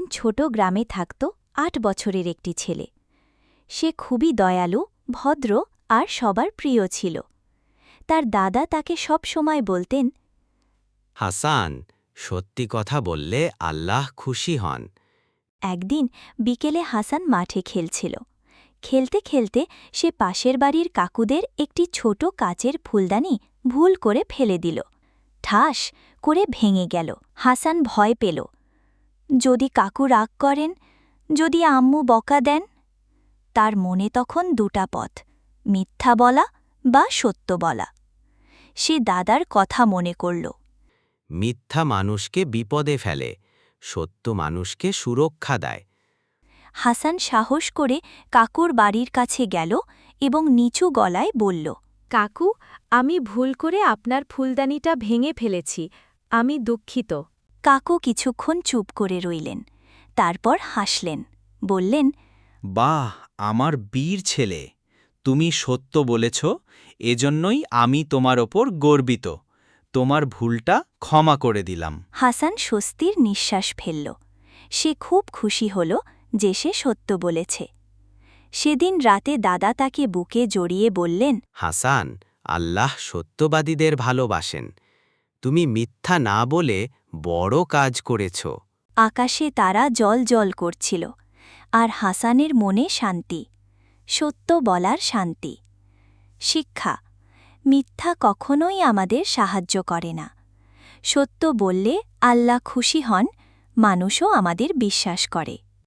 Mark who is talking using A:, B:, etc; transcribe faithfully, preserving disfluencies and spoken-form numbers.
A: ছোট গ্রামে থাকত আট বছরের একটি ছেলে। সে খুবই দয়ালু, ভদ্র আর সবার প্রিয় ছিল। তার দাদা তাকে সব সময় বলতেন,
B: হাসান, সত্যি কথা বললে আল্লাহ খুশি হন।
A: একদিন বিকেলে হাসান মাঠে খেলছিল। খেলতে খেলতে সে পাশের বাড়ির কাকুদের একটি ছোট কাচের ফুলদানি ভুল করে ফেলে দিল। ঠাস করে ভেঙে গেল। হাসান ভয় পেল। যদি কাকু রাগ করেন, যদি আম্মু বকা দেন। তার মনে তখন দুটা পথ, মিথ্যা বলা বা সত্য বলা। সে দাদার কথা মনে করল।
B: মিথ্যা মানুষকে বিপদে ফেলে, সত্য মানুষকে সুরক্ষা দেয়।
A: হাসান সাহস করে কাকুর বাড়ির কাছে গেল এবং নিচু গলায় বলল,
C: কাকু, আমি ভুল করে আপনার ফুলদানিটা ভেঙে ফেলেছি, আমি দুঃখিত।
A: কাকু কিছুক্ষণ চুপ করে রইলেন। তারপর হাসলেন, বললেন,
D: বাহ, আমার বীর ছেলে, তুমি সত্য বলেছ, এজন্যই আমি তোমার ওপর গর্বিত। তোমার ভুলটা ক্ষমা করে দিলাম।
A: হাসান স্বস্তির নিঃশ্বাস ফেলল। সে খুব খুশি হল যে সে সত্য বলেছে। সেদিন রাতে দাদা তাকে বুকে জড়িয়ে বললেন,
B: হাসান, আল্লাহ সত্যবাদীদের ভালোবাসেন। তুমি মিথ্যা না বলে বড় কাজ করেছ।
A: আকাশে তারা জল জল করছিল, আর হাসানের মনে শান্তি, সত্য বলার শান্তি। শিক্ষা: মিথ্যা কখনোই আমাদের সাহায্য করে না। সত্য বললে আল্লাহ খুশি হন, মানুষও আমাদের বিশ্বাস করে।